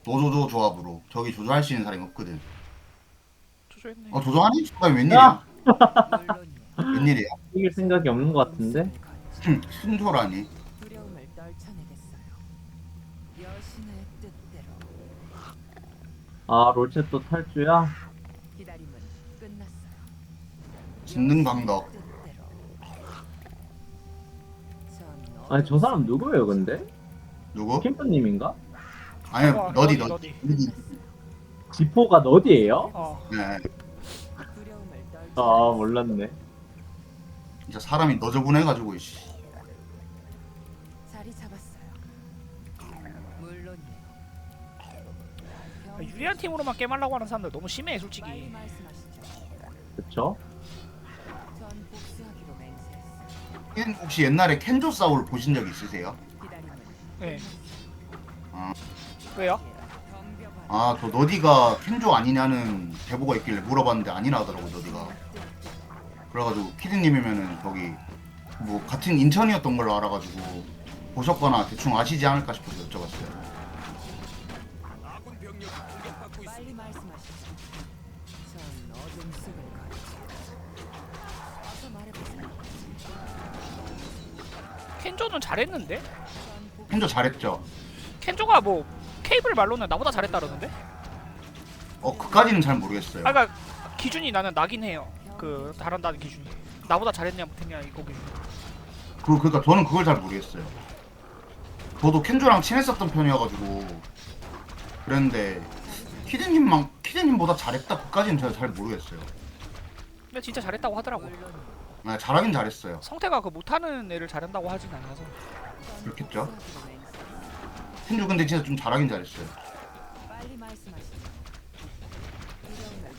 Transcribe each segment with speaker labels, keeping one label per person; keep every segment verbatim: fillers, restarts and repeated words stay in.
Speaker 1: 노조조 조합으로. 저기 조조할 수 있는 사람이 없거든.
Speaker 2: 조조했네.
Speaker 1: 어 조조하니? 수가
Speaker 3: 야!
Speaker 1: 웬일이야?
Speaker 4: 물론이요.
Speaker 1: 웬일이야?
Speaker 3: 이길 생각이 없는 것 같은데?
Speaker 1: 순조라니?
Speaker 4: 두려움을 떨쳐내겠어요. 여신의 뜻대로
Speaker 3: 아, 롤체 또 탈주야?
Speaker 4: 기다림은 끝났어요.
Speaker 1: 진능 방덕.
Speaker 4: 뜻대로. 전
Speaker 3: 아니, 저 사람 누구예요, 근데?
Speaker 1: 누구?
Speaker 3: 캠프님인가?
Speaker 1: 아니
Speaker 2: 어,
Speaker 1: 너디
Speaker 2: 너디,
Speaker 1: 너디.
Speaker 2: 너디.
Speaker 3: 지포가 너디예요?
Speaker 2: 어.
Speaker 1: 네.
Speaker 4: 두려움을
Speaker 3: 아,
Speaker 4: 떨쳐.
Speaker 3: 몰랐네.
Speaker 1: 진짜 사람이 너저분해가지고 이씨.
Speaker 4: 자리 잡았어요. 물론이요.
Speaker 2: 아, 유리한 팀으로만 게임하려고 하는 사람들 너무 심해
Speaker 4: 빨리
Speaker 2: 솔직히.
Speaker 4: 말씀하시죠.
Speaker 3: 그쵸?
Speaker 4: 전 복수하기로 맹세했어요.
Speaker 1: 켄- 혹시 옛날에 켄조 싸울 보신 적 있으세요?
Speaker 4: 기다림은
Speaker 2: 네.
Speaker 1: 아,
Speaker 2: 왜요?
Speaker 4: 덤벼봐요.
Speaker 1: 아, 저 너디가 켄조 아니냐는 제보가 있길래 물어봤는데 아니라 하더라고 너디가. 그래가지고 키드님이면은 저기 뭐 같은 인천이었던 걸로 알아가지고 보셨거나 대충 아시지 않을까 싶어서 여쭤봤어요.
Speaker 4: 빨리 말씀하시죠. 전 어둠 속을 걷죠. 어서 말해보세요.
Speaker 2: 켄조는 잘했는데?
Speaker 4: 전 복-
Speaker 1: 켄조 잘했죠?
Speaker 2: 켄조가 뭐 케이블 말로는 나보다 잘했다그러는데?
Speaker 1: 어, 그까지는 잘 모르겠어요.
Speaker 2: 아 그니까 기준이 나는 나긴 해요. 그 잘한다는 기준이. 나보다 잘했냐 못했냐 이거 기준.
Speaker 1: 그, 그니까 저는 그걸 잘 모르겠어요. 저도 켄조랑 친했었던 편이어가지고 그랬는데 키드님만 키드님보다 잘했다 그까지는 제가 잘 모르겠어요.
Speaker 2: 근데 진짜 잘했다고 하더라고.
Speaker 4: 물론이요.
Speaker 1: 아, 잘하긴 잘했어요.
Speaker 2: 성태가 그 못하는 애를 잘한다고 하진 않아서.
Speaker 4: 전
Speaker 1: 그렇겠죠?
Speaker 4: 복수하기로 맹세했어요.
Speaker 1: 켄조 근데 진짜 좀 잘하긴 잘했어요.
Speaker 4: 빨리 말씀하시죠. 두려움을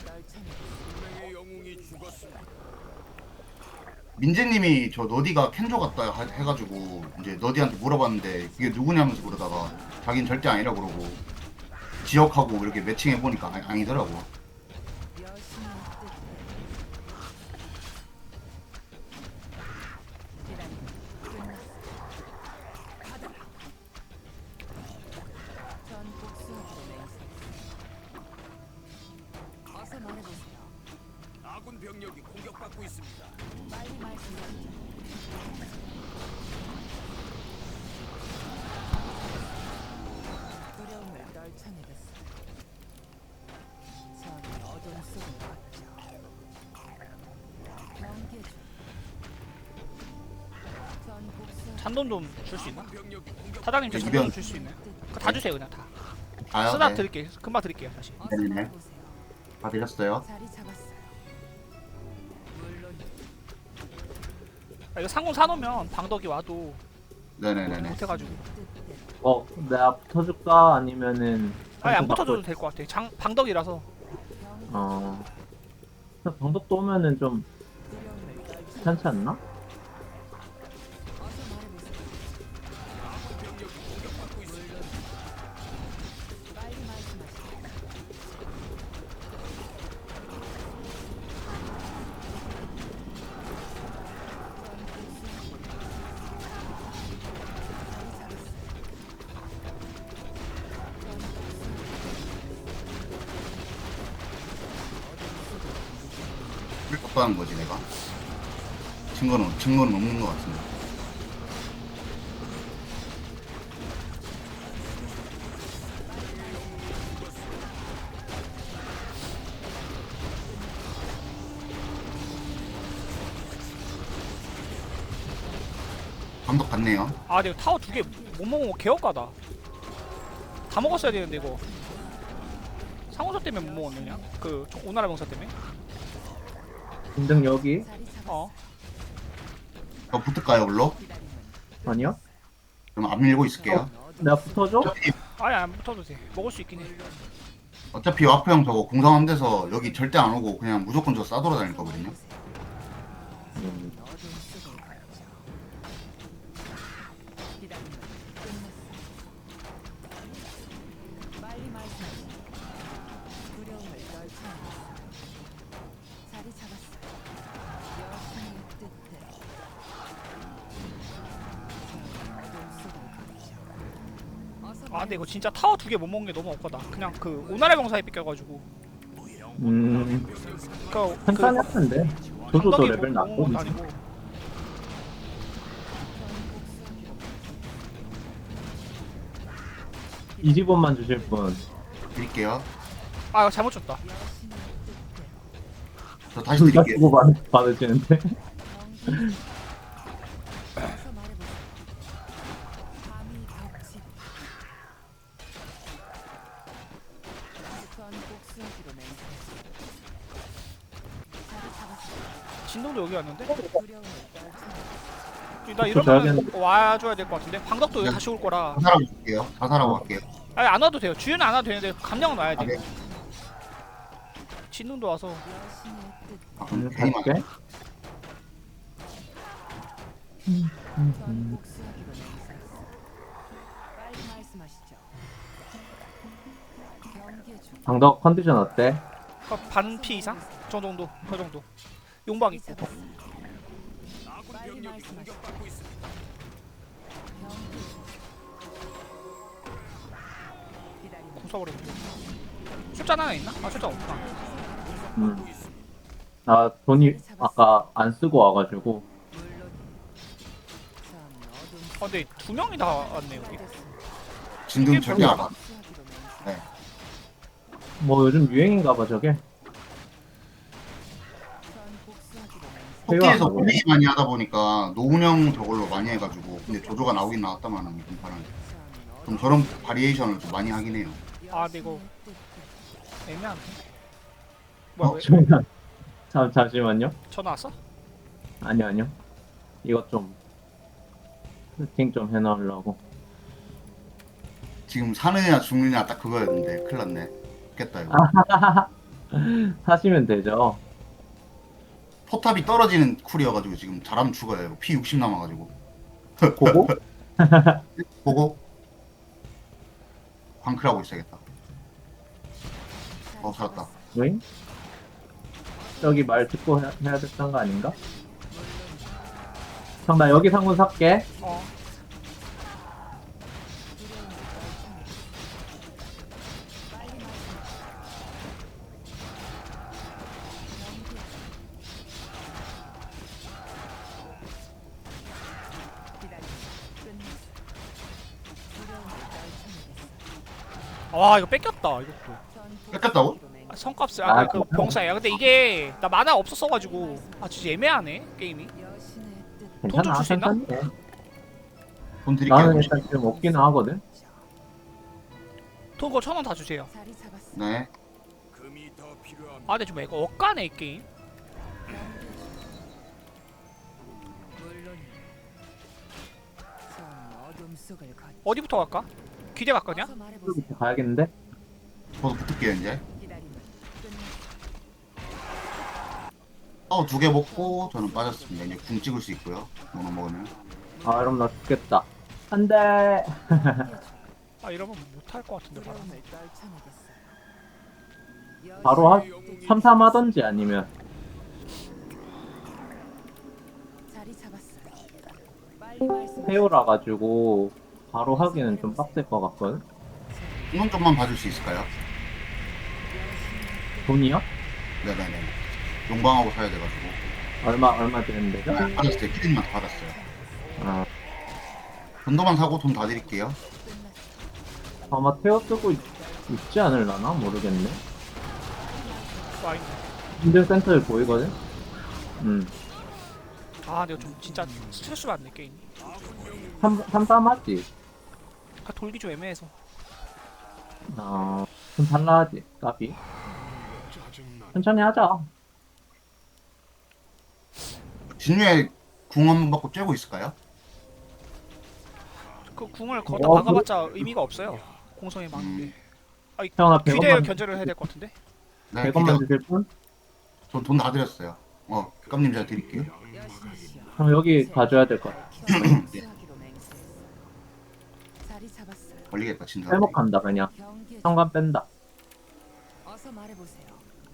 Speaker 4: 떨쳐내겠어요.
Speaker 1: 민재님이 저 너디가 켄조 같다 하- 해가지고 이제 너디한테 물어봤는데 그게 누구냐면서 그러다가 자기는 절대 아니라 그러고 지역하고 이렇게 매칭해 보니까 아니, 아니더라고.
Speaker 4: 여신의 뜻대로. 기다림은 끝났어요. 가더라. 전 복수하기로 맹세했어요. 어서 말해보세요.
Speaker 5: 아군 병력이 공격받고 있습니다.
Speaker 4: 빨리 말씀하시죠. 두려움을 떨쳐내겠어요. 전 어둠 속을 걷죠. 경계 중. 전 복수.
Speaker 2: 잔돈 좀 줄 수 있나?
Speaker 5: 병력이 공격
Speaker 2: 사장님 저
Speaker 1: 이변.
Speaker 2: 잔돈 줄 수 있나요? 그거 다 주세요 그냥 다.
Speaker 1: 다요?
Speaker 2: 쓰다
Speaker 1: 네.
Speaker 2: 드릴게요. 금방 드릴게요 다시.
Speaker 4: 어서
Speaker 1: 네네네.
Speaker 4: 말해보세요.
Speaker 1: 다 드렸어요.
Speaker 4: 자리 잡았어요. 물론
Speaker 2: 아, 이거 상공 사놓으면 방덕이 와도
Speaker 1: 네네네네.
Speaker 2: 못해가지고.
Speaker 4: 뜻대로.
Speaker 3: 어, 내가 붙어줄까? 아니면은.
Speaker 2: 아니 안
Speaker 3: 방송
Speaker 2: 붙어줘도
Speaker 3: 바꿔-
Speaker 2: 될 것 같아. 장 방덕이라서.
Speaker 4: 경계
Speaker 3: 어. 방독도 오면은 좀
Speaker 4: 두려움을 떨쳐.
Speaker 3: 귀찮지 않나?
Speaker 4: 어서 말해보세요. 물론 빨리 말씀하시죠.
Speaker 1: 왜 깜빡한 거지 내가? 증거는 증거는 없는 것 같은데. 감독 같네요.
Speaker 2: 아 내가 타워 두 개 못 먹은 거 개업가다. 다 먹었어야 되는데 이거. 상호사 때문에 못 먹었느냐? 그 저- 오나라 병사 때문에?
Speaker 3: 인등 여기?
Speaker 4: 자리 잡았어요.
Speaker 2: 어.
Speaker 1: 저 붙을까요, 물로?
Speaker 4: 기다림은
Speaker 3: 아니요?
Speaker 1: 그럼 안 밀고 있을게요.
Speaker 3: 내가 붙어줘?
Speaker 1: 어차피,
Speaker 2: 아니 안 붙어도 돼. 먹을 수 있긴 해.
Speaker 1: 어차피 와프 형 저거 공성함 돼서 여기 절대 안 오고 그냥 무조건 저 싸돌아다닐 거거든요.
Speaker 3: 음,
Speaker 4: 어둠 속을 걷죠. 기다림은 끝났어요. 빨리 말씀하시죠. 두려움을 떨쳐내겠어요. 자리 잡았어요. 여신의 뜻대로. 전 어둠 속을 걷죠. 어서
Speaker 2: 아 근데 이거 진짜 타워 두 개 못 먹는 게 너무 억까다. 그냥 그 오나라 병사에 뺏겨가지고
Speaker 3: 음
Speaker 2: 그
Speaker 3: 천천히 할 텐데 조조도
Speaker 2: 감독이
Speaker 3: 레벨
Speaker 2: 뭐-
Speaker 3: 낮고.
Speaker 2: 뭐 아니고.
Speaker 3: 이십 원만 주실 분.
Speaker 1: 드릴게요.
Speaker 2: 아 이거 잘못 줬다.
Speaker 1: 저 다시
Speaker 3: 둘다
Speaker 1: 드릴게요.
Speaker 3: 주고 받, 받으시는데.
Speaker 4: 어서 말해보세요. 감히 격치. 전 복수하기로 맹세했어. 자리 잡았어.
Speaker 2: 진동도 여기 왔는데?
Speaker 4: 두려움을 떨쳐내.
Speaker 2: 나
Speaker 3: 저
Speaker 2: 이러면
Speaker 3: 줘야겠는데.
Speaker 2: 와줘야 될 것 같은데? 방덕도 여기
Speaker 1: 네.
Speaker 2: 다시 올 거라.
Speaker 1: 자살하고 갈게요. 자살하고 갈게요.
Speaker 2: 아니 안 와도 돼요. 주유는 안 와도 되는데 감량은 와야
Speaker 1: 아,
Speaker 2: 돼.
Speaker 1: 네.
Speaker 2: 진동도 와서
Speaker 4: 여신의 뜻.
Speaker 1: 아,
Speaker 3: 음,
Speaker 1: 그럼 괜히
Speaker 3: 갈게.
Speaker 1: 많아.
Speaker 4: 전 복수하기로 맹세했어. 빨리 말씀하시죠. 경계 중.
Speaker 3: 방덕 컨디션 어때?
Speaker 2: 반피 이상? 저 정도, 그 정도. 용방 있고.
Speaker 5: 아군
Speaker 4: 빨리
Speaker 5: 병력이
Speaker 4: 말씀하시죠.
Speaker 5: 공격받고 있습니다.
Speaker 4: 경계 중. 기다리면
Speaker 2: 공 써버리면 돼. 숫자 하나 있나? 아 숫자 없구나.
Speaker 3: 음. 나 돈이 아까 안 쓰고 와가지고.
Speaker 4: 물론 전 어둠
Speaker 2: 아 근데 두 명이 다 왔네 여기.
Speaker 1: 진동
Speaker 2: 이게
Speaker 1: 절대 안
Speaker 2: 별로야?
Speaker 1: 와.
Speaker 4: 복수하기로 맹세.
Speaker 1: 네.
Speaker 3: 뭐 요즘 유행인가봐 저게.
Speaker 4: 전 복수하기로 맹세.
Speaker 1: 토끼에서
Speaker 3: 회화하고.
Speaker 1: 고민이 많이 하다 보니까 노운영 저걸로 많이 해가지고 근데 조조가 나오긴 나왔다만 이번 판은
Speaker 4: 전
Speaker 1: 좀 저런 바리에이션을 좀 많이 하긴 해요.
Speaker 2: 아, 근데 이거-
Speaker 4: 여신의 뜻대로.
Speaker 2: 애매한데. 뭐야
Speaker 1: 어,
Speaker 2: 왜?
Speaker 3: 잠깐. 잠 잠시만요.
Speaker 2: 전화 왔어?
Speaker 3: 아니요 아니요. 이것 좀 세팅 좀 해놓으려고.
Speaker 1: 지금 사느냐 죽느냐 딱 그거였는데 큰일 났네. 죽겠다 이거.
Speaker 3: 사시면 되죠.
Speaker 1: 포탑이 떨어지는 쿨이어가지고 지금 잘하면 죽어요. 이거 피 육십 남아가지고.
Speaker 3: 보고
Speaker 1: 보고 광클하고 있어야겠다. 어 살았다.
Speaker 3: 왜? 저기 말 듣고 해, 해야 됐던 거 아닌가? 형 나 여기 상군 살게.
Speaker 2: 어.
Speaker 4: 빨리 말씀하시죠. 기다리면 끝났어. 두려움을 떨쳐내겠어.
Speaker 2: 와 이거 뺏겼다 이것도.
Speaker 4: 전
Speaker 1: 뺏겼다고?
Speaker 4: 복수하기로 맹세.
Speaker 2: 아, 성값을
Speaker 3: 아,
Speaker 2: 아그 그 병사야. 근데 이게 나 만화 없었어가지고 아 진짜 애매하네 게임이.
Speaker 4: 여신의 뜻.
Speaker 2: 돈좀
Speaker 3: 괜찮아
Speaker 2: 줄수 있나?
Speaker 3: 괜찮네.
Speaker 1: 돈 드릴게요.
Speaker 3: 나는 일단 지금 없기는 하거든.
Speaker 2: 돈 그거 천 원 다 주세요.
Speaker 4: 자리 잡았어.
Speaker 1: 네.
Speaker 5: 금이 더 필요합니다.
Speaker 2: 아 근데 좀 이거 억까네 이 게임.
Speaker 4: 물론 전 어둠 속을 걷.
Speaker 2: 어디부터 갈까? 기대 갈 거냐?
Speaker 4: 어서 말해보세요.
Speaker 3: 이렇게 가야겠는데?
Speaker 1: 저도 붙을게요 이제.
Speaker 4: 기다리면 끝났어.
Speaker 1: 어 두 개 먹고 저는 빠졌습니다. 이제 궁 찍을 수 있고요. 노노 먹으면.
Speaker 3: 아 그럼 나 죽겠다. 안돼.
Speaker 2: 아 이러면 못할 것 같은데 바로.
Speaker 4: 두려움을 떨쳐내겠어.
Speaker 3: 바로 하 삼 삼 하던지 아니면
Speaker 4: 자리 잡았어. 빨리 말씀.
Speaker 3: 페오라 가지고 바로 하기는 좀 빡셀 것 같거든.
Speaker 1: 궁은 좀만 봐줄 수 있을까요?
Speaker 3: 돈이요?
Speaker 1: 네네네. 용방하고 사야 돼가지고.
Speaker 3: 얼마 얼마 드는데요?
Speaker 1: 네, 받았어요. 키드님한테 받았어요.
Speaker 3: 아
Speaker 1: 돈도만 사고 돈 다 드릴게요.
Speaker 3: 아마 테어 쓰고 있, 있지 않을라나 모르겠네.
Speaker 2: 와 있네.
Speaker 3: 힘든 센터에 보이거든. 음.
Speaker 2: 아 내가 좀 진짜 스트레스 받네 게임.
Speaker 3: 삼 삼삼 하지.
Speaker 2: 아 돌기 좀 애매해서.
Speaker 3: 어좀 달라하지. 까비. 천천히 하자.
Speaker 1: 진유에 궁 한 번 받고 쬐고 있을까요?
Speaker 2: 그 궁을 거기다
Speaker 3: 어,
Speaker 2: 박아봤자 의미가 없어요. 공성에 막는 게. 아이
Speaker 3: 형아
Speaker 2: 귀대
Speaker 3: 백 원만
Speaker 2: 견제를 해야 될 것 같은데.
Speaker 1: 네.
Speaker 3: 백 원만
Speaker 1: 기대.
Speaker 3: 주실 분?
Speaker 1: 전돈 다 드렸어요. 어, 깜님 제가 드릴게요.
Speaker 4: 여신이시여.
Speaker 3: 형 여기 가져야 될 것 같아.
Speaker 4: 복수하기로 맹세했어. 자리 잡았어.
Speaker 1: 걸리겠다 진짜.
Speaker 3: 회복한다 그냥.
Speaker 4: 경계.
Speaker 3: 현관 뺀다.
Speaker 4: 어서 말해보세요.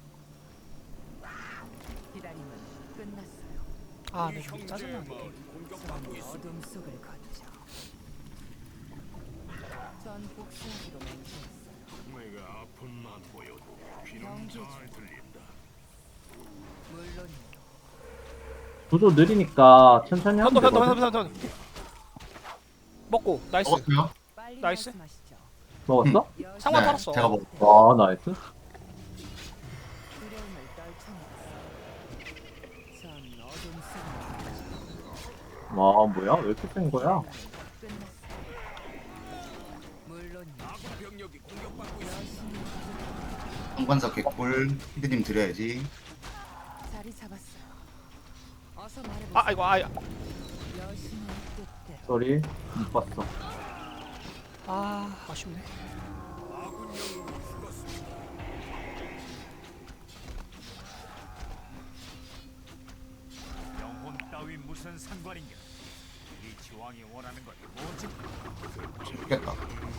Speaker 4: 기다림은 끝났어요.
Speaker 2: 아 근데 좀 짜증나네.
Speaker 5: 형제만
Speaker 2: 게임.
Speaker 5: 공격받고 있습니다.
Speaker 4: 어둠 속을 걷죠. 전 전 복수하기로 맹세했어요.
Speaker 5: 내가 아픔만 보여도 귀는 잘 들린다.
Speaker 4: 물론이요.
Speaker 3: 구조 느리니까 천천히 하면
Speaker 2: 편도 편도
Speaker 3: 되거든.
Speaker 2: 편도 편도 편도. 먹고 나이스.
Speaker 1: 먹었어요?
Speaker 4: 빨리
Speaker 2: 나이스.
Speaker 4: 말씀하시죠.
Speaker 3: 먹었어?
Speaker 4: 여신
Speaker 2: 상관
Speaker 1: 네,
Speaker 2: 팔았어.
Speaker 1: 제가 먹.
Speaker 3: 와 나이스.
Speaker 4: 두려움을 떨쳐내겠어요. 전 어둠 속에
Speaker 3: 와 뭐야 왜 이렇게 센 거야?
Speaker 4: 끝났어요. 물론이요.
Speaker 5: 아군 병력이 공격받고 있습니다.
Speaker 4: 여신이
Speaker 1: 상관사 개꿀. 피디님 드려야지.
Speaker 4: 자리 잡았어요. 어서 말해보세요.
Speaker 2: 아 이거 아
Speaker 4: 여신의 뜻대로.
Speaker 3: 쏘리 못 봤어.
Speaker 2: 아 아쉽네.
Speaker 5: 아군 영웅이 죽었습니다. 영혼 따위 무슨 상관인가? 이 지왕이 원하는 건 뭐지?
Speaker 1: 죽겠다.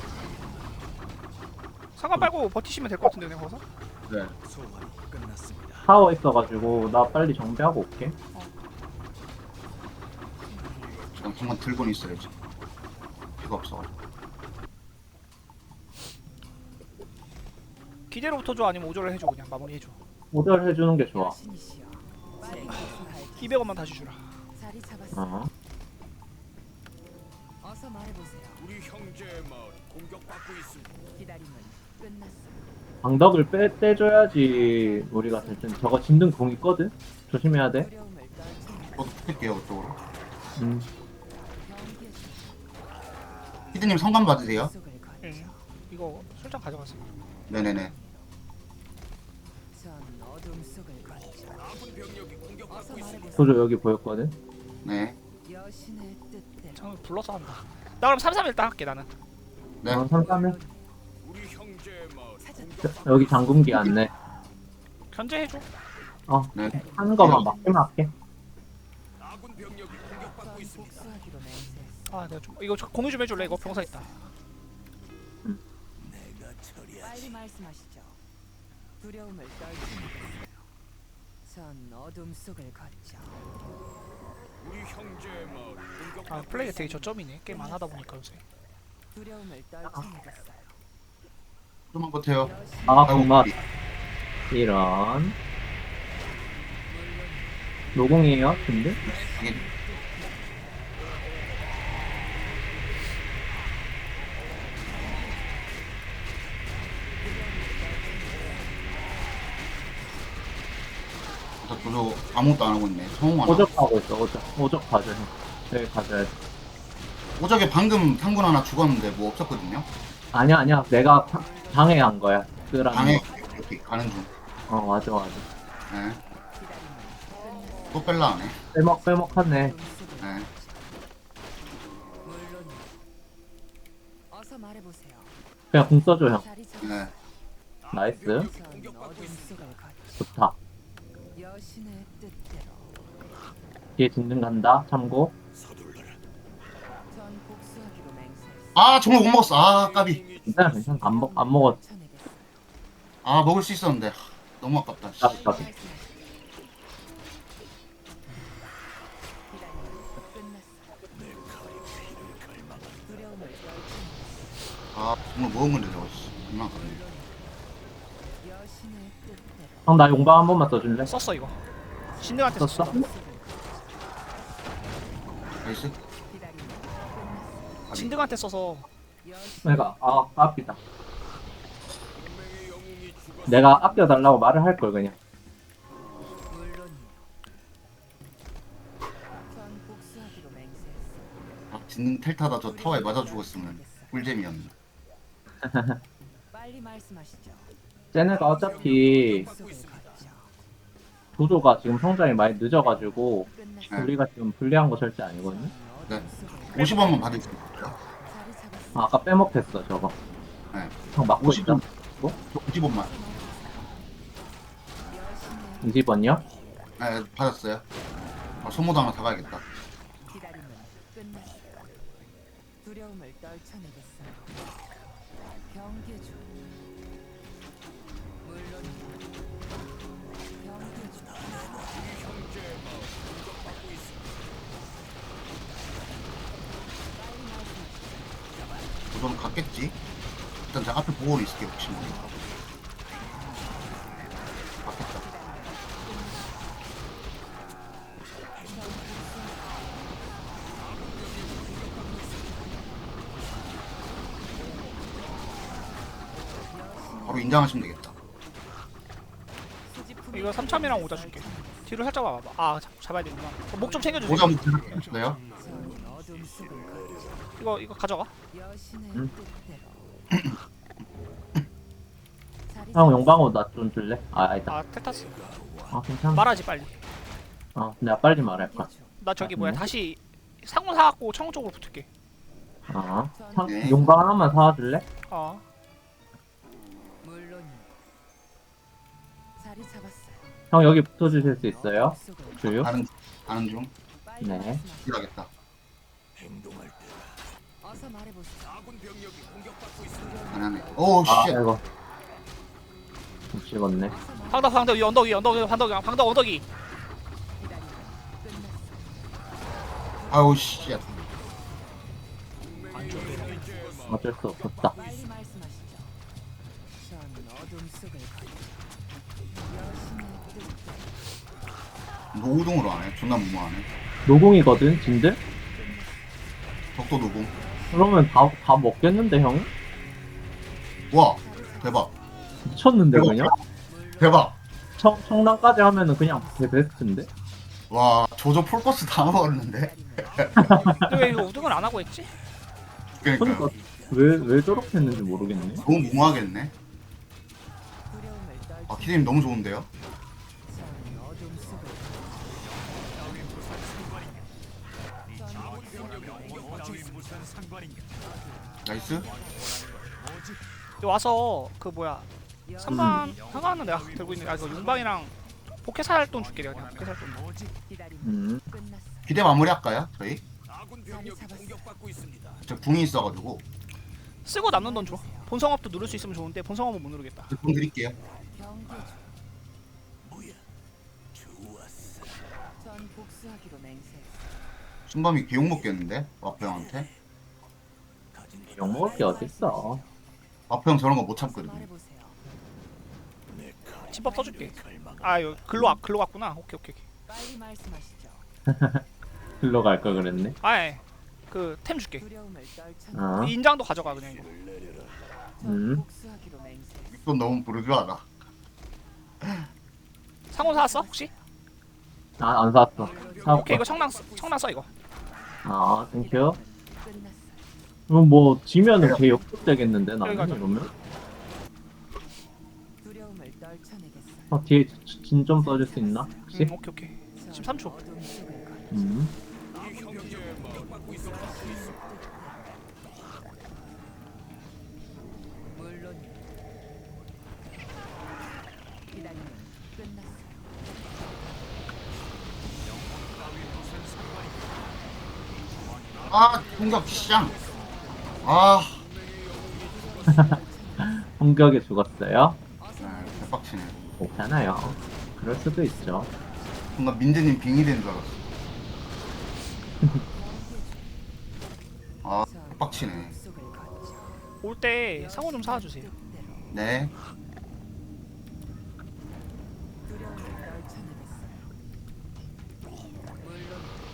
Speaker 2: 상관 빨고 버티시면 될 것 같은데 그냥 거기서.
Speaker 1: 네.
Speaker 5: 소환이 끝났습니다.
Speaker 3: 타워 있어가지고 나 빨리 정비하고 올게.
Speaker 1: 그냥 한번 들고는 있어야지. 피가 없어가지고.
Speaker 2: 기대로 붙어줘 아니면 오조를 해줘 그냥 마무리해줘.
Speaker 3: 오절 해주는 게 좋아.
Speaker 4: 여신이시여. 빨리 말씀하시죠.
Speaker 2: 이백 원만 다시 주라.
Speaker 4: 자리 잡았어요.
Speaker 3: 어.
Speaker 4: 어서 말해보세요.
Speaker 5: 우리 형제의 마을 공격받고 있습니다.
Speaker 4: 기다림은 끝났어요.
Speaker 3: 방덕을 빼 떼줘야지 우리가 될 텐데 저거 진등 공 있거든. 조심해야 돼.
Speaker 4: 두려움을 떨쳐내겠어요.
Speaker 1: 저도 붙을게요 그쪽으로.
Speaker 3: 음.
Speaker 4: 경계의
Speaker 1: 피디님 성감 받으세요?
Speaker 4: 속을 걷죠.
Speaker 2: 응. 이거 술장 가져가세요.
Speaker 1: 네네네.
Speaker 4: 전 어둠 속을 걷죠.
Speaker 5: 아군 병력이
Speaker 4: 어서
Speaker 5: 공격받고 있습니다.
Speaker 4: 말해보세요.
Speaker 3: 소조 여기 보였거든.
Speaker 1: 네.
Speaker 4: 여신의 뜻대로.
Speaker 2: 장 불러서 한다. 나 그럼 삼 삼 일단 할게 나는.
Speaker 1: 네.
Speaker 3: 어, 삼삼일.
Speaker 5: 우리 형제의 마을
Speaker 4: 찾았다.
Speaker 5: 공격받고
Speaker 3: 여기 잠금기 안내.
Speaker 2: 견제해줘.
Speaker 1: 네.
Speaker 3: 하는 거만 막히면 할게.
Speaker 5: 아군 병력이 공격받고
Speaker 4: 전
Speaker 5: 있습니다.
Speaker 4: 복수하기로 맹세했어요.
Speaker 2: 아 내가 좀 이거 좀 공유 좀 해줄래 이거 병사 있다.
Speaker 5: 내가 처리하지.
Speaker 4: 빨리 말씀하시죠. 두려움을 떨쳐내겠어요. 전 어둠 속을 걷죠.
Speaker 5: 우리 형제의 마을 공격받고
Speaker 2: 아 플레이가 되게 저점이네. 게임 안 하다 보니까 요새.
Speaker 4: 두려움을 떨쳐내겠어요.
Speaker 1: 좀만 버텨요.
Speaker 4: 여신
Speaker 3: 아
Speaker 1: 아이고,
Speaker 3: 고마. 이런. 노공이에요 근데?
Speaker 1: 이게 저 도저 아무것도 안 하고 있네. 성공 안 하고.
Speaker 3: 오적하고 있어 오적. 오적 가져. 여기 가져야 돼.
Speaker 1: 오적에 방금 상군 하나 죽었는데 뭐 없었거든요.
Speaker 3: 아니야 아니야 내가 파- 방해한 거야. 끄라는
Speaker 1: 방에
Speaker 3: 거.
Speaker 1: 이렇게 가는 중.
Speaker 3: 어 맞아 맞아.
Speaker 1: 네.
Speaker 4: 기다림은 끝났어요.
Speaker 1: 또 뺄라 하네.
Speaker 3: 빼먹 빼먹하네.
Speaker 4: 어둠 속을
Speaker 1: 네.
Speaker 4: 걷죠. 물론 어서 말해보세요.
Speaker 3: 그냥 궁 써줘 형.
Speaker 4: 자리 잡.
Speaker 1: 네.
Speaker 3: 나이스.
Speaker 4: 전 어둠 속을 걷죠.
Speaker 3: 좋다.
Speaker 4: 여신의 뜻대로.
Speaker 3: 뒤에 진등 간다. 참고.
Speaker 5: 서둘러라.
Speaker 4: 전 복수하기로 맹세했어요.
Speaker 1: 아 정말 못 먹었어. 아 까비.
Speaker 3: 괜찮아 괜찮아. 안 먹 안 먹었.
Speaker 4: 떨쳐내겠어요.
Speaker 1: 아 먹을 수 있었는데 하, 너무 아깝다. 씨.
Speaker 3: 까비 까비.
Speaker 4: 기다림은 끝났어요. 두려움을 떨쳐내겠어요.
Speaker 1: 아 정말 먹은 건데 저거. 씨. 얼마나 아깝네.
Speaker 4: 여신의 뜻대로.
Speaker 3: 형 나 용방 한 번만 써줄래?
Speaker 2: 썼어 이거. 신등한테
Speaker 3: 썼어?
Speaker 2: 썼어.
Speaker 1: 나이스.
Speaker 4: 기다림은 끝났어요.
Speaker 1: 까비.
Speaker 2: 신등한테 써서
Speaker 4: 여신
Speaker 3: 내가 아 깝이다.
Speaker 5: 동맹의 영웅이 죽었습니다.
Speaker 3: 내가 아껴달라고 말을 할 걸 그냥.
Speaker 4: 물론이요. 전 복수하기로 맹세했어요.
Speaker 1: 아 진능 텔타다 저 타워에 맞아 죽었으면 꿀잼이었네.
Speaker 4: 빨리 말씀하시죠.
Speaker 3: 쟤네가 어차피
Speaker 4: 속을 걷죠.
Speaker 3: 도조가 지금 성장이 많이 늦어가지고
Speaker 4: 끝났어요.
Speaker 1: 네.
Speaker 3: 우리가 지금 불리한 거 절대 아니거든요.
Speaker 1: 네.
Speaker 4: 어둠 속을
Speaker 1: 오십 원만 받을 수 있어요.
Speaker 4: 자리 잡았어요.
Speaker 3: 아, 아까 빼먹혔어 저거.
Speaker 1: 네.
Speaker 3: 형 막고
Speaker 1: 오십
Speaker 3: 있다.
Speaker 1: 원. 오십 원만.
Speaker 4: 여신의
Speaker 3: 이십 원이요?
Speaker 1: 네 받았어요. 아 소모도 하나 사가야겠다.
Speaker 4: 기다림은 끝났어요. 두려움을 떨쳐내겠어요. 경계주. 물론 경계주.
Speaker 5: 형제의 마을 공격받고 있습니다.
Speaker 4: 빨리 말씀하시죠.
Speaker 1: 도전 갔겠지? 일단 제가 앞에 보고 있을게요. 혹시 모르니까. 갔겠다. 바로 인장하시면 되겠다.
Speaker 2: 이거 삼참이랑 오자 줄게. 뒤로 살짝 와봐. 아 잡, 잡아야 되구나. 어, 목 좀 챙겨주세요.
Speaker 1: 오자 한번 드릴까요?
Speaker 4: 전 어둠 속을 걷죠.
Speaker 2: 이거 이거 가져가.
Speaker 4: 여신의
Speaker 3: 응.
Speaker 4: 뜻대로. 자리
Speaker 3: 형 용방어 나 좀 줄래? 아 아니다.
Speaker 2: 아 테타스.
Speaker 3: 아 괜찮아.
Speaker 2: 말하지 빨리.
Speaker 3: 아 내가 빨리 말할까.
Speaker 4: 잡아줘.
Speaker 2: 나 저기 뭐야
Speaker 3: 음.
Speaker 2: 다시 상문 사갖고 청 쪽으로 붙을게.
Speaker 3: 아 상,
Speaker 1: 네.
Speaker 3: 용방 하나만 사와줄래?
Speaker 2: 어.
Speaker 4: 물론이 자리 잡았어요.
Speaker 3: 형 여기 붙어주실 수 있어요?
Speaker 4: 어둠 속을
Speaker 3: 주유?
Speaker 1: 가는 가는 중.
Speaker 4: 빨리
Speaker 3: 네.
Speaker 4: 말씀하시죠.
Speaker 1: 필요하겠다.
Speaker 4: 어서 말해보세요.
Speaker 1: 안 하네. 오
Speaker 3: 아
Speaker 1: 씨.
Speaker 3: 이거 못 씹었네.
Speaker 4: 어서 말해-
Speaker 2: 방덕 방덕 위 언덕 위 언덕 위 방덕 위 방덕 언덕이.
Speaker 4: 기다림은 끝났어요.
Speaker 1: 아우 씨.
Speaker 3: 어쩔 수 없었다.
Speaker 4: 빨리 말씀하시죠. 전 어둠 속을 걷죠. 여신의 뜻대로.
Speaker 1: 노우동으로 하네. 존나 무모하네.
Speaker 3: 노공이거든 진들?
Speaker 1: 적도 노공.
Speaker 3: 그러면 다, 다 먹겠는데 형?
Speaker 1: 와 대박.
Speaker 3: 미쳤는데 그냥?
Speaker 1: 대박.
Speaker 3: 청, 청량까지 하면은 그냥 제 베스트인데?
Speaker 1: 와 조조 폴커스 다 먹었는데.
Speaker 2: 근데 왜 이거 우등을 안 하고 했지?
Speaker 1: 그러니까
Speaker 3: 그러니까 왜, 왜 저렇게 했는지 모르겠네.
Speaker 1: 너무 무모하겠네.
Speaker 4: 두려움을 떨쳐.
Speaker 1: 아 키드님 너무 좋은데요?
Speaker 4: 전 어둠 속을
Speaker 5: 따위 무슨 상관인가?
Speaker 1: 나이스.
Speaker 2: 여기 와서 그 뭐야 삼반 상관은 내가 들고 있는 아 이거 용방이랑 포켓 살돈 줄게 내가 그냥 포켓 살돈.
Speaker 4: 기다림은
Speaker 3: 음.
Speaker 4: 끝났어요.
Speaker 1: 기대 마무리 할까요? 저희?
Speaker 4: 자리 잡았어요.
Speaker 1: 저 궁이 있어가지고
Speaker 2: 쓰고 남는 돈 줘. 본성업도 누를 수 있으면 좋은데 본성업은 못 누르겠다.
Speaker 1: 궁 드릴게요.
Speaker 4: 경계죠. 전 복수하기로 맹세했어요.
Speaker 1: 순밤이 개욕 먹겠는데? 와프 형한테?
Speaker 3: 욕먹을 게 어딨어.
Speaker 1: 와프 형 저런 거 못
Speaker 4: 어서
Speaker 1: 참거든요.
Speaker 4: 말해보세요.
Speaker 2: 집밥 써줄게. 아 이거 글로 와 글로 갔구나. 오케이 오케이 오케이.
Speaker 4: 빨리 말씀하시죠.
Speaker 3: 글로 갈 걸 그랬네.
Speaker 2: 아예 그템 줄게.
Speaker 4: 두려움을 떨쳐.
Speaker 3: 어?
Speaker 2: 인장도 가져가 그냥 이거.
Speaker 4: 전
Speaker 3: 음.
Speaker 4: 복수하기로 맹세했어요.
Speaker 1: 이건 너무 부르주하다.
Speaker 2: 상호 사왔어 혹시?
Speaker 3: 아, 안 샀어. 사올까?
Speaker 2: 오케이 이거 청랑 써- 청랑 써 이거.
Speaker 3: 아, 땡큐.
Speaker 4: 끝났어요.
Speaker 3: 그럼 뭐, 지면은 걔 역습되겠는데, 나는?
Speaker 2: 여기 가자.
Speaker 3: 이러면?
Speaker 4: 두려움을 떨쳐내겠어요.
Speaker 3: 어, 뒤에 진 좀 써줄 수 있나? 혹시?
Speaker 2: 음, 오케이 오케이.
Speaker 4: 전
Speaker 2: 십삼 초.
Speaker 4: 어둠 속을 걷죠.
Speaker 3: 음.
Speaker 4: 물론 기다림은 끝났어요.
Speaker 1: 아 공격 시장. 아
Speaker 3: 공격에 죽었어요?
Speaker 1: 네, 대박치네.
Speaker 3: 괜찮아요. 그럴 수도 있죠.
Speaker 1: 뭔가 민재님 빙이 된 줄 알았어. 아
Speaker 4: 전
Speaker 1: 대박치네.
Speaker 4: 어둠 속을 걷죠.
Speaker 2: 올 때 상호 좀 사와주세요.
Speaker 4: 뜻대로
Speaker 1: 네.
Speaker 4: 두려움을 떨쳐내겠어요. 물론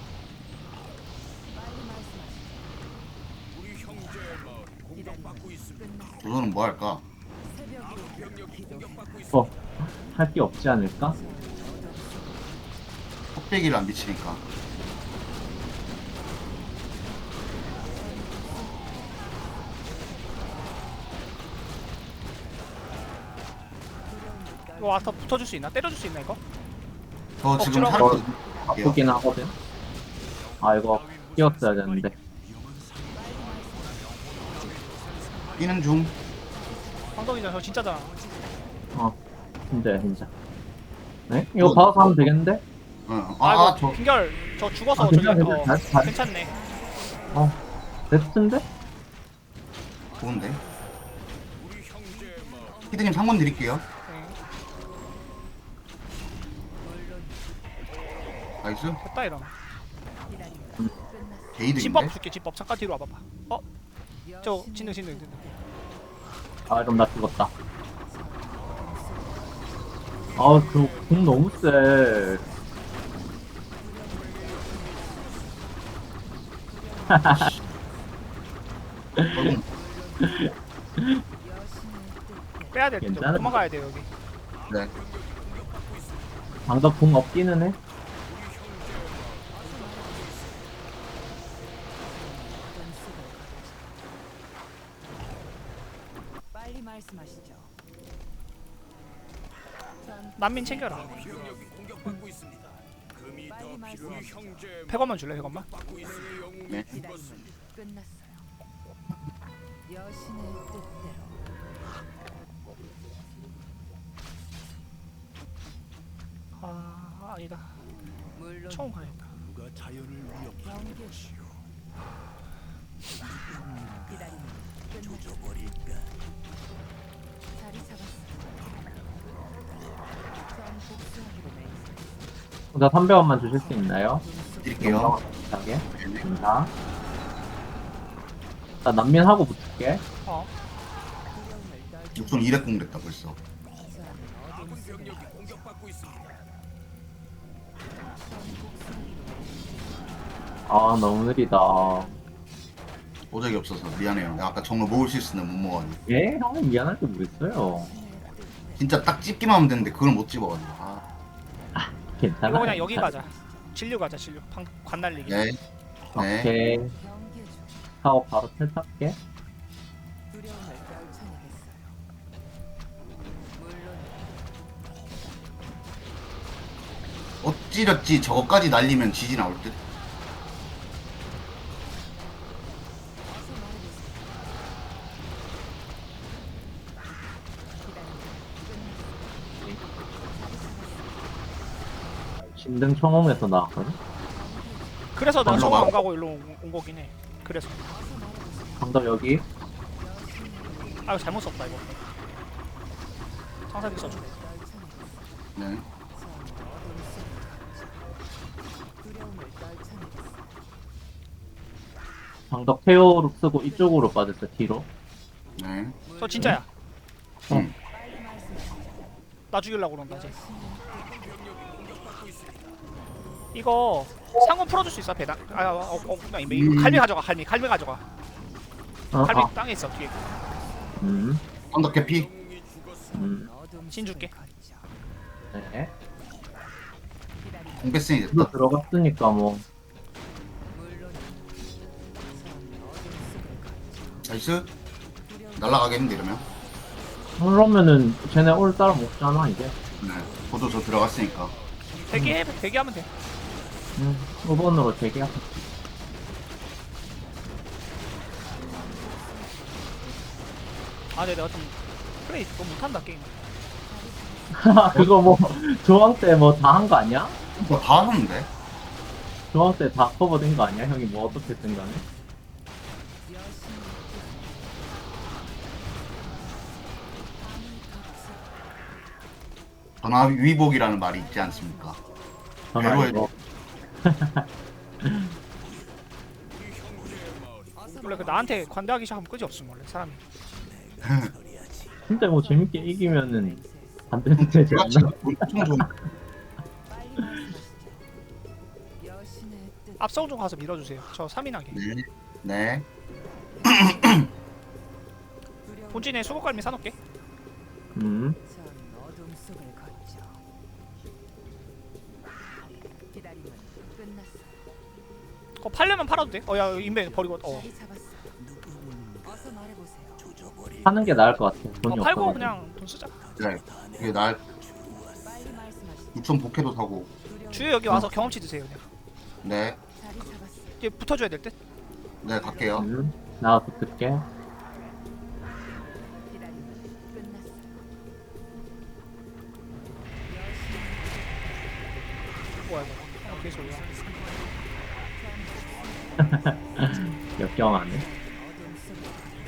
Speaker 4: 빨리 말씀하시죠. 기다림은 끝났어요.
Speaker 1: 조조는 뭐 할까?
Speaker 4: 새벽으로 기도해.
Speaker 3: 어, 할 게 없지 않을까?
Speaker 4: 전 어둠 속을
Speaker 1: 헛배기를 안 비치니까.
Speaker 4: 두려움을
Speaker 2: 이거 와서 붙어줄 수 있나? 때려줄 수 있나 이거?
Speaker 1: 저 지금
Speaker 2: 억지로
Speaker 1: 살고
Speaker 3: 아프긴 하거든. 아, 이거 끼웠어야 되는데.
Speaker 1: 뛰는 중.
Speaker 2: 방덕이잖아 저 진짜잖아.
Speaker 3: 어, 진짜야, 진짜. 네? 이거 받아서 하면 되겠는데?
Speaker 1: 어.
Speaker 2: 아,
Speaker 1: 아,
Speaker 2: 이거
Speaker 1: 저
Speaker 2: 빙결 저 죽어서
Speaker 3: 아,
Speaker 2: 저기
Speaker 3: 괜찮아,
Speaker 2: 어,
Speaker 3: 괜찮아. 잘- 잘-
Speaker 2: 괜찮네.
Speaker 3: 어, 베스트인데?
Speaker 1: 좋은데. 피드님 상권 드릴게요.
Speaker 2: 네,
Speaker 1: 나이스.
Speaker 2: 됐다 이러면.
Speaker 4: 기다림은
Speaker 3: 음.
Speaker 4: 끝났어요.
Speaker 1: 게이득인데.
Speaker 2: 집법 줄게 집법 잠깐 뒤로 와봐봐. 어? 저 진능 진능 진능.
Speaker 3: 아 그럼 나 죽었다. 아그공 너무 세.
Speaker 1: 결국
Speaker 2: 빼야 돼.
Speaker 3: 괜찮아.
Speaker 2: 도망가야 돼 여기.
Speaker 1: 네.
Speaker 3: 방금 공 없기는 해.
Speaker 4: 빨리 말씀하시죠. 전
Speaker 2: 난민 챙겨라.
Speaker 4: 빨리 말씀하시죠.
Speaker 2: 백 원만 줄래? 백 원만?
Speaker 1: 네.
Speaker 4: 기다림은 끝났어요. 여신의 뜻대로.
Speaker 2: 아 아니다.
Speaker 4: 물론
Speaker 2: 처음 가야겠다.
Speaker 4: 경계. 기다림은 끝났어요. 자리 잡았어요. 전 복수하기로 맹세.
Speaker 3: 나 삼백 원만 주실 수 있나요?
Speaker 1: 드릴게요.
Speaker 3: 비슷하게.
Speaker 1: 네.
Speaker 3: 감사. 나 난민하고 붙을게.
Speaker 2: 어.
Speaker 4: 두려움을 떨쳐.
Speaker 1: 육순 이백 공 됐다 벌써.
Speaker 4: 전 어둠 속을 걷죠.
Speaker 3: 아 너무 느리다.
Speaker 1: 보적이 없어서 미안해요. 내가 아까 정로 먹을 수 있으면 못 먹었네.
Speaker 3: 예? 형은 미안할 게 뭐 있어요.
Speaker 1: 진짜 딱 집기만 하면 되는데 그걸 못 집어가지고. 아,
Speaker 3: 괜찮아.
Speaker 2: 이거 그냥 여기 가자. 진료 가자 진료. 방, 관 날리기.
Speaker 1: 네. 네.
Speaker 3: 오케이.
Speaker 4: 경계 중
Speaker 3: 하고 바로 탈탈게.
Speaker 4: 두려움을 떨쳐내겠어요. 물론
Speaker 1: 어찌렸지 저거까지 날리면 지지 나올 듯.
Speaker 4: 어서 말해보세요. 기다림은
Speaker 3: 진등 청홍에서 나왔거든.
Speaker 2: 그래서 내가
Speaker 1: 걸로
Speaker 2: 저거 안
Speaker 1: 가고.
Speaker 2: 가고 일로 온, 온 거긴 해. 그래서.
Speaker 3: 방금 여기.
Speaker 2: 아 이거 잘못 썼다 이거. 상사기 써줘.
Speaker 1: 네.
Speaker 4: 두려움을 떨쳐내겠어요.
Speaker 3: 방덕 태오로 쓰고 이쪽으로 빠졌어 뒤로.
Speaker 1: 네.
Speaker 2: 저 진짜야.
Speaker 1: 음.
Speaker 4: 빨리 말씀하시죠.
Speaker 2: 나 죽이려고 그런다 이제. 이거 상권 풀어줄 수 있어 배당. 아, 어, 어, 그냥 이거
Speaker 1: 음.
Speaker 2: 갈미 가져가. 갈미, 갈미 가져가.
Speaker 3: 어,
Speaker 2: 갈미
Speaker 3: 아,
Speaker 2: 땅에 있어 뒤에.
Speaker 3: 음,
Speaker 1: 언덕 개피.
Speaker 3: 음,
Speaker 4: 어둠
Speaker 2: 진 줄게.
Speaker 4: 속을 걷죠.
Speaker 3: 네.
Speaker 4: 기다림은
Speaker 1: 공패승이
Speaker 3: 이거
Speaker 1: 됐다.
Speaker 3: 들어갔으니까 뭐.
Speaker 4: 물론 전 어둠 속을 걷죠.
Speaker 1: 나이스.
Speaker 4: 두려움
Speaker 1: 날라가겠는데 이러면.
Speaker 3: 그러면은 쟤네 올 따라 먹잖아 이제.
Speaker 1: 네. 저도 저 들어갔으니까.
Speaker 2: 대기해, 대기하면 돼.
Speaker 3: 음, 오 번으로 대기하자.
Speaker 2: 아, 네, 내가 좀 플레이 너무 못한다 게임.
Speaker 3: 그거 뭐 조항 때 뭐 다 한 거 아니야?
Speaker 1: 뭐 다 하는데?
Speaker 3: 조항 때 다 커버된 거 아니야? 형이 뭐 어떻게 쓴 거네?
Speaker 4: 여신의
Speaker 1: 전화 위복이라는 말이 있지 않습니까?
Speaker 3: 전화
Speaker 1: 배로해
Speaker 3: 이거.
Speaker 2: 원래 그 나한테 관대하기 시작하면 끄지 없음 원래 사람이.
Speaker 3: 진짜 뭐 재밌게 이기면은 안 되는 되지
Speaker 1: 제가
Speaker 3: 않나?
Speaker 1: 지금 엄청 좋은.
Speaker 4: 빨리 말씀하시죠. 여신의 뜻.
Speaker 2: 앞성 좀 가서 밀어주세요. 저 삼 인하게.
Speaker 1: 네. 네.
Speaker 4: 두려움
Speaker 2: 본진에 수국갈미 사놓게.
Speaker 3: 음,
Speaker 4: 전 어둠 속을 걷죠. 기다림은 끝났어요.
Speaker 2: 그거 팔려면 팔아도 돼. 어야 인벤 버리고. 어.
Speaker 4: 자리 잡았어요. 어서 말해보세요.
Speaker 3: 하는 게 나을 것 같아.
Speaker 2: 어
Speaker 3: 돈이
Speaker 2: 팔고
Speaker 3: 없어.
Speaker 2: 그냥 돈 쓰자.
Speaker 1: 네. 이게 날
Speaker 4: 빨리 말씀하시죠.
Speaker 1: 육성 복해도 사고.
Speaker 4: 두려움
Speaker 2: 주요 여기 와서 경험치 드세요 그냥.
Speaker 1: 네.
Speaker 4: 자리 잡았어요.
Speaker 2: 이제 붙어줘야 될 듯.
Speaker 1: 네, 갈게요.
Speaker 3: 음, 나 붙을게.
Speaker 4: 기다림은 끝났어요.
Speaker 2: 뭐야 이거. 어, 개소리야.
Speaker 3: 역경하네.
Speaker 4: 어둠 속을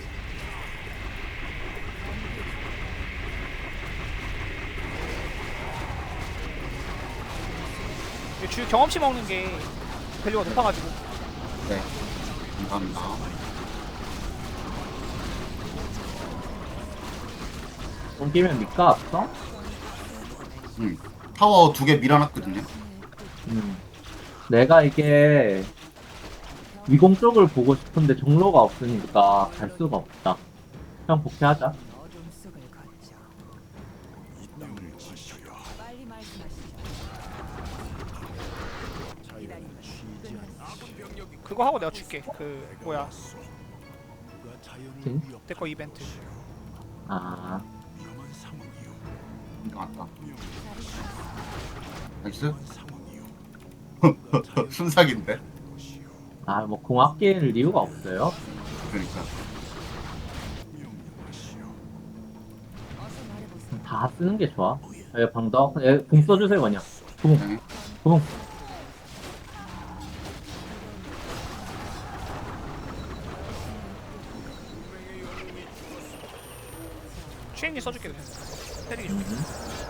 Speaker 2: 이게 주요 경험치 먹는 게 밸류가 높아가지고.
Speaker 1: 네. 감사합니다.
Speaker 3: 옮기면 니까 없어?
Speaker 1: 응. 타워 두 개 밀어놨거든요.
Speaker 3: 음. 내가 이게 위공 쪽을 보고 싶은데 정로가 없으니까 갈 수가 없다. 그냥 복귀하자.
Speaker 4: 어둠 속을 걷죠. 빨리 말씀하시죠. 기다림은 끝났습니다.
Speaker 2: 그거 하고 내가 줄게. 그 뭐야
Speaker 3: 진?
Speaker 2: 내거 이벤트.
Speaker 3: 아,
Speaker 1: 나왔다.
Speaker 4: 자리 잡았습니다.
Speaker 1: 나이스. 순삭인데.
Speaker 3: 아, 뭐 공학 끼일 이유가 없어요.
Speaker 1: 그러니까.
Speaker 4: 어서 말해보세요.
Speaker 3: 다 쓰는 게 좋아. 예, 방덕. 예, 공 써주세요, 그냥. 공,
Speaker 1: 네.
Speaker 3: 공.
Speaker 2: 추행기 써줄게 그냥. 때리기 좀.
Speaker 3: 음.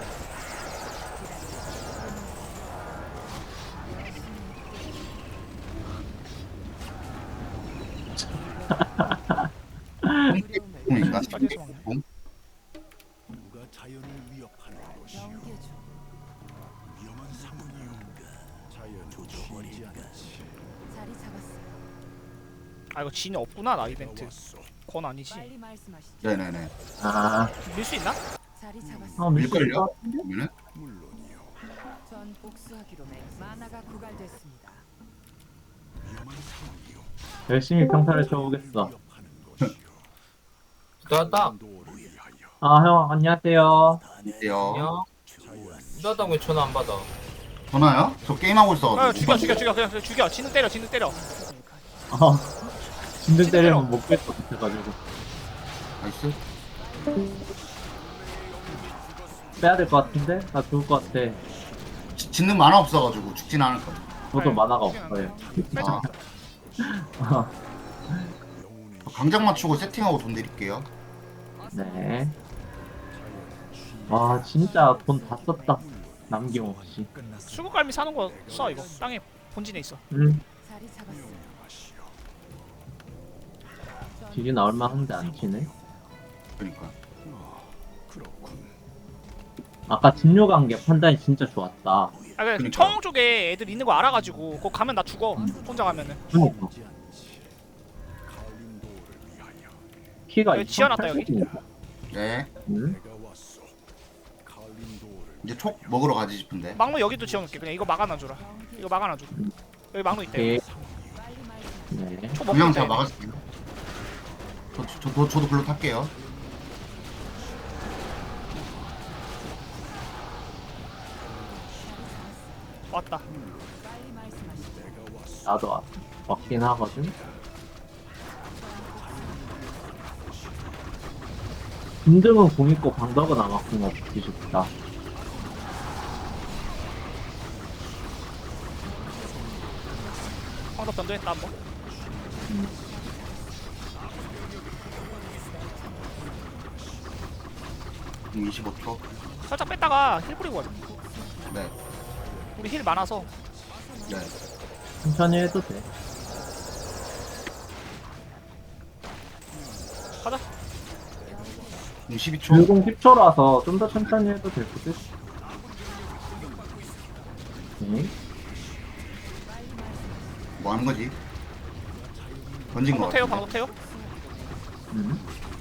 Speaker 1: 공인가?
Speaker 2: 빠져서 먹네.
Speaker 1: 공?
Speaker 5: 누가 자연을 위협하는 것이오.
Speaker 4: 경계죠.
Speaker 5: 위험한 상황이오. 자연은 쉬지 않지.
Speaker 4: 자리 잡았어요.
Speaker 2: 아 이거 진이 없구나 나 이벤트.
Speaker 5: 왔어.
Speaker 2: 건 아니지.
Speaker 4: 빨리 말씀하시죠.
Speaker 1: 네네네.
Speaker 3: 아,
Speaker 2: 밀 수 있나?
Speaker 4: 자리
Speaker 3: 어,
Speaker 4: 잡았어요.
Speaker 1: 밀걸요?
Speaker 3: 밀걸요?
Speaker 1: 그러면은
Speaker 5: 물론이요.
Speaker 4: 전 복수하기로 맹. 만화가 구갈됐습니다.
Speaker 5: 위험한 상황이오.
Speaker 3: 열심히 평타를 쳐보겠어.
Speaker 5: 위협하는 것이오.
Speaker 6: 나다.
Speaker 5: 도를 위하여.
Speaker 3: 아, 형, 안녕하세요.
Speaker 1: 안녕하세요.
Speaker 6: 안녕.
Speaker 5: 자연
Speaker 6: 나다 왜 전화 안 받아?
Speaker 1: 전화요? 저 게임하고
Speaker 2: 아
Speaker 1: 있어가지고.
Speaker 2: 죽여 죽여 죽여 그냥 그냥 죽여. 진우 때려 진우 때려.
Speaker 3: 어, 진들 때리면 못 뺄 것 같아가지고.
Speaker 1: 나이스.
Speaker 3: 빼야 될 것 같은데? 나 죽을 것 같아.
Speaker 1: 지- 짓는 만화 없어가지고 죽진 않을 거야.
Speaker 3: 저도
Speaker 2: 네,
Speaker 3: 만화가
Speaker 2: 죽진
Speaker 3: 없어요.
Speaker 2: 빼자.
Speaker 1: 아, 강장 맞추고 세팅하고 돈 드릴게요.
Speaker 3: 네. 와, 진짜 돈 다 썼다. 남김없이.
Speaker 2: 수국갈미 사는 거 써 이거. 땅에 본진에 있어.
Speaker 3: 음,
Speaker 4: 자리 잡았어요.
Speaker 3: 딜이 나올 만한데 안 치네.
Speaker 1: 그러니까.
Speaker 3: 아까 진료 간게 판단이 진짜 좋았다.
Speaker 2: 아 그래
Speaker 1: 그러니까.
Speaker 2: 청 쪽에 애들 있는 거 알아가지고 그거 가면 나 죽어. 혼자 가면은.
Speaker 3: 그니까. 키가
Speaker 2: 여기 지어놨다, 여기.
Speaker 3: 이천팔백이니까.
Speaker 1: 네.
Speaker 3: 음?
Speaker 5: 내가 왔어. 칼림도를
Speaker 1: 이제 촉 먹으러 가지 싶은데.
Speaker 2: 막루 여기도 지어놓을게. 그냥 이거 막아놔줘라. 이거 막아놔줘. 여기 막루 있대.
Speaker 3: 오케이.
Speaker 4: 빨리 말씀하시죠.
Speaker 3: 네.
Speaker 2: 초 먹고
Speaker 1: 그냥
Speaker 2: 있다.
Speaker 1: 제가
Speaker 2: 얘네.
Speaker 1: 막았을게요. 저, 저, 저, 저도 글로 탈게요.
Speaker 2: 왔다.
Speaker 4: 빨리 말씀하시죠.
Speaker 3: 나도 왔- 왔긴 하거든. 김등은 공 있고 방덕은 아마 공 없지 싶다.
Speaker 2: 황덕 변도했다 한번.
Speaker 3: 음.
Speaker 1: 음, 이십오 초.
Speaker 2: 살짝 뺐다가 힐 뿌리고 가자.
Speaker 1: 네.
Speaker 2: 우리 힐 많아서.
Speaker 1: 네.
Speaker 3: 천천히 해도 돼.
Speaker 2: 가자.
Speaker 1: 음, 십이 초.
Speaker 3: 불공 십 초라서 좀 더 천천히 해도 될 것 같아. 오케이.
Speaker 1: 뭐 하는 거지? 던진 거
Speaker 2: 방독 태요
Speaker 1: 같은데.
Speaker 2: 방독 태요.
Speaker 3: 음.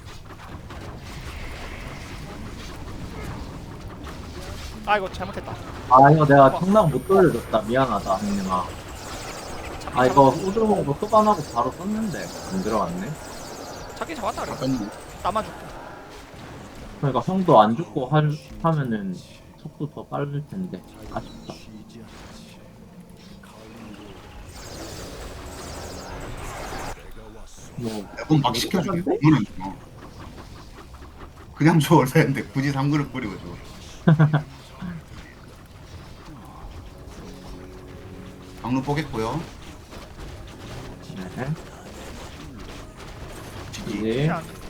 Speaker 2: 아 이거 잘못했다.
Speaker 3: 아, 이거 내가 청랑 못 돌려줬다. 미안하다, 형님아. 아, 이거 우드로고 소반하고 바로 썼는데 안 들어갔네.
Speaker 2: 잡기 잡았다 그래.
Speaker 1: 잠깐만.
Speaker 2: 나만 죽고.
Speaker 3: 그러니까 형도 안 죽고 하, 하면은 속도 더 빠를 텐데 아쉽다.
Speaker 5: 쉬지 않지. 칼림도 내가 왔어.
Speaker 3: 뭐
Speaker 1: 그럼 막 시켜주기 너무는 어. 그냥 줘 원래인데 굳이 삼 그릇 끓이고 줘. 방루 뽀겠고요.
Speaker 3: 네.
Speaker 1: 지지.
Speaker 3: 이제
Speaker 2: 힐안